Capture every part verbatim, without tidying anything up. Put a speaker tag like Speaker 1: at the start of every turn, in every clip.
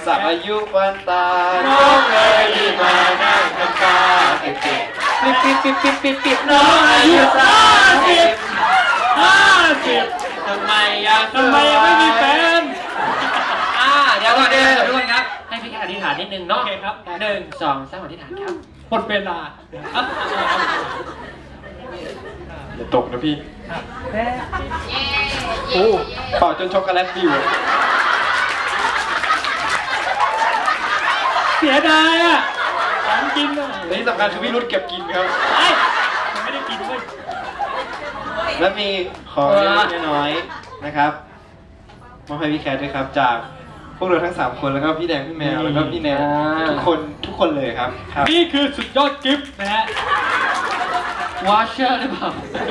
Speaker 1: สักอายุวันตาน้องเลยรีบมานั่งน้ำตาปิดปิดปิดปิดปิดปิดปิดน้องอายุสามสิบห้าสิบทำไมยังทำไมยังไม่มีแฟนอ่าเดี๋ยวก่อนเดี๋ยวทุกคนครับให้พี่แค่อธิษฐานนิดนึงเนาะโอเคครับหนึ่งสองสามอธิษฐานครับหมดเวลาอย่าตกนะพี่โอ้เป่าจนช็อกโกแลตปิวเสียดายอ่ะของกินอ่ะและที่สำคัญคือพี่รุ่นเก็บกินครับไอ้ไม่ได้กินด้วยและมีของเล็กน้อยนะครับมาให้พี่แคทด้วยครับจากพวกเราทั้งสามคนแล้วก็พี่แดงพี่แมวแล้วก็พี่แนนทุกคนทุกคนเลยครับนี่คือสุดยอดกิฟต์นะฮะวอชเชอร์หรือเปล่า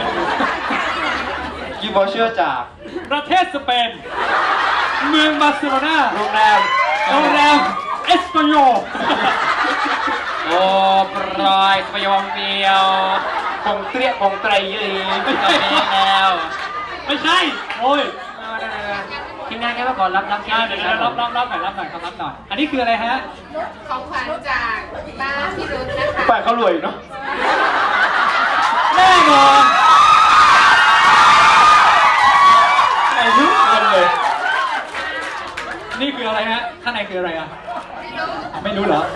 Speaker 1: กิฟต์วอชเชอร์จากประเทศสเปนเมืองบาร์เซโลนาโรงแรมโรงแรมเอสโปโยโอ้ปรอยสปยองเดียวคงเตรียคงไตรยีไม่ใช่แล้วไม่ใช่โอ้ยทีมงานแค่มาก่อนรับรับแค่เดี๋ยวรับรับรับหน่อยรับหน่อยครับรับหน่อยอันนี้คืออะไรฮะ
Speaker 2: ของขวัญจากบ้านพี่รุ่นนะคะ
Speaker 1: ฝ่ายเขารวยเนาะแน่นอนไอ้ทุกคนเลยนี่คืออะไรฮะข้างในคืออะไรอ่ะไม่รู้เหรอ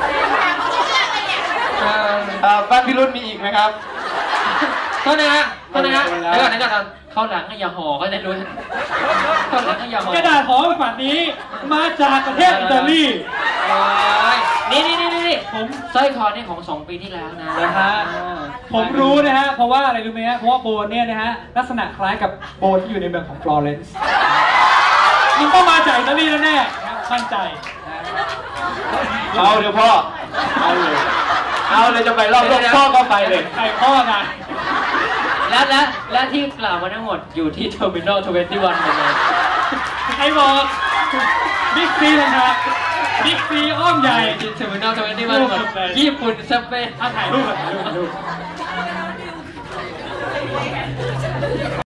Speaker 1: บ้านพี่รุ่นมีอีกไหมครับโทษนะฮะโทษนะฮะเดี๋ยวก่อนเดี๋ยวก่อนเข้าหลังให้อย่าห่อก็ได้รู้เข้าหลังให้อย่าห่อกระดาษห่อฝันนี้มาจากประเทศอิตาลีนี่นี่นี่นี่ผมสร้อยคอนี่ของสองปีที่แล้วนะนะฮะผมรู้นะฮะเพราะว่าอะไรรู้ไหมฮะเพราะว่าโบเนี่ยนะฮะลักษณะคล้ายกับโบที่อยู่ในเมืองของฟลอเรนซ์มันต้องมาจากอิตาลีแน่ๆมั่นใจเอาเดี๋ยวพ่อเอาเลยเอาเลยจะไปรอบรอบพ่อก็ไปเลยไปพ่อนะและและและที่กล่าวมาทั้งหมดอยู่ที่เทอร์มินอลทเวนตี้วันหมดเลยใครบอกบิ๊กซีนะครับบิ๊กซีอ้อมใหญ่ที่เทอร์มินอลทเวนตี้วันหมดญี่ปุ่นสเปนถ่ายรูปถ่ายรูป